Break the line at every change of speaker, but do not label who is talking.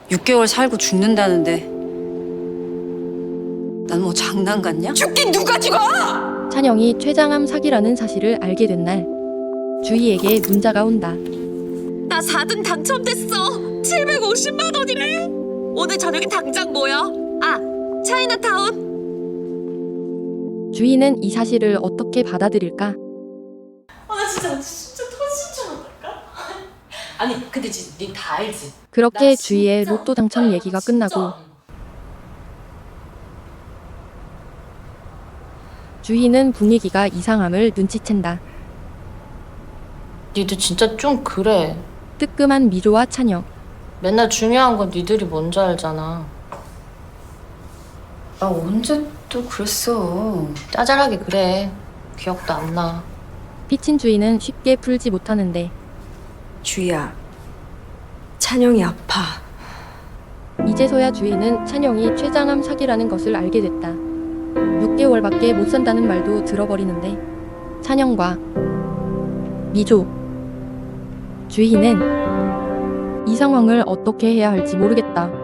6개월 살고 죽는다는데 난 뭐 장난 같냐?
죽긴 누가 죽어!
찬영이 췌장암 사기라는 사실을 알게 된 날, 주희에게 문자가 온다.
나 4등 당첨됐어. 750만 원이래. 오늘 저녁에 당장 모여. 아, 차이나타운.
주희는 이 사실을 어떻게 받아들일까?
나 진짜 터질 줄 알았다니까? 아니 근데 진짜 니 다 알지?
그렇게
나
주희의
진짜
로또 당첨 얘기가 끝나고 주희는 분위기가 이상함을 눈치챈다.
니들 진짜 좀 그래.
뜨끔한 미조와 찬영.
맨날 중요한 건 니들이 먼저 알잖아.
나 언제 또 그랬어.
짜잘하게 그래. 기억도 안 나.
피친 주희는 쉽게 풀지 못하는데
주희야, 찬영이 아파.
이제서야 주희는 찬영이 췌장암 사기라는 것을 알게 됐다. 6개월밖에 못 산다는 말도 들어버리는데 찬영과 미조, 주희는 이 상황을 어떻게 해야 할지 모르겠다.